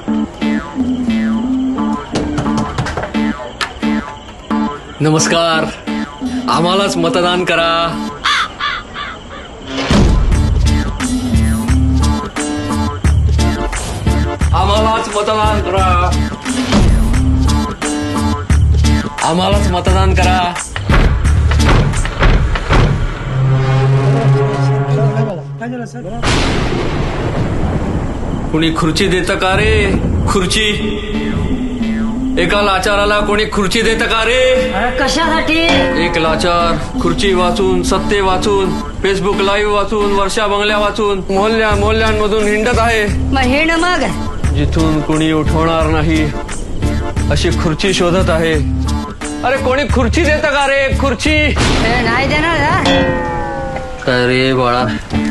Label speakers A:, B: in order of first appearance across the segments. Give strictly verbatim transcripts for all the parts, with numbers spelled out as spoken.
A: नमस्कार, आम्हालाच मतदान करा. आम्हालाच मतदान करा. आम्हालाच मतदान करा. कुणी खुर्ची देतं का रे? खुर्ची एका लाचाराला कोणी खुर्ची देतं का रे?
B: कशासाठी?
A: एक लाचार खुर्ची वाचून, सत्ते वाचून, फेसबुक लाईव्ह वाचून, वर्षा बंगल्या वाचून, मोहल्ल्या मोहल्ल्यांमधून हिंडत आहे.
B: मग हिंड मग
A: जिथून कोणी उठवणार नाही अशी खुर्ची शोधत आहे. अरे कोणी खुर्ची देतं का रे? खुर्ची
B: नाही देणार.
A: काय रे बाळा,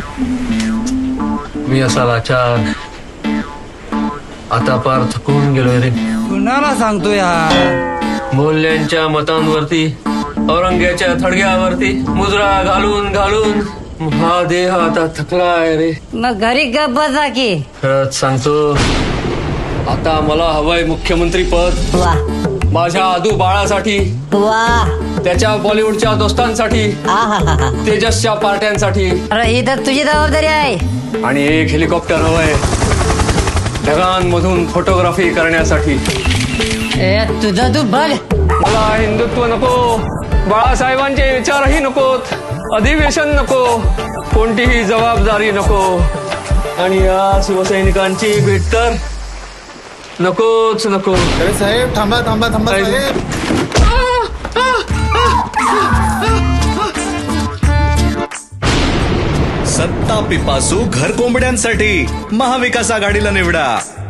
A: मी असा लाचार आता पार थकून गेलोय रे.
C: कुणाला सांगतो यार?
A: मोहल्ल्यांच्या मतांवरती, औरंग्याच्या थडग्यावरती मुजरा घालून घालून हा देह आता थकलाय रे.
B: मग घरी गप बसा की.
A: खरंच सांगतो, आता मला हवंय मुख्यमंत्री पद.
B: वा
A: माझ्या आदू बाळासाठी,
B: वा.
A: त्याच्या बॉलिवूडच्या दोस्तांसाठी,
B: आहाहा.
A: तेजसच्या पार्ट्यांसाठी.
B: अरे ही तर तुझी जबाबदारी आहे.
A: आणि एक हेलिकॉप्टर हवंय ढगांमधून फोटोग्राफी करण्यासाठी.
B: ए तुझं तू बघ.
A: मला हिंदुत्व नको, बाळासाहेबांचे विचारही नकोत, अधिवेशन नको, कोणतीही जबाबदारी नको, आणि या शिवसैनिकांची भेट तर नकोच नको.
D: अरे साहेब थांबा थांबा थांबा साहेब.
E: सत्ता पिपासू घर कोंबड्यांसाठी महाविकास आघाडीला निवडा.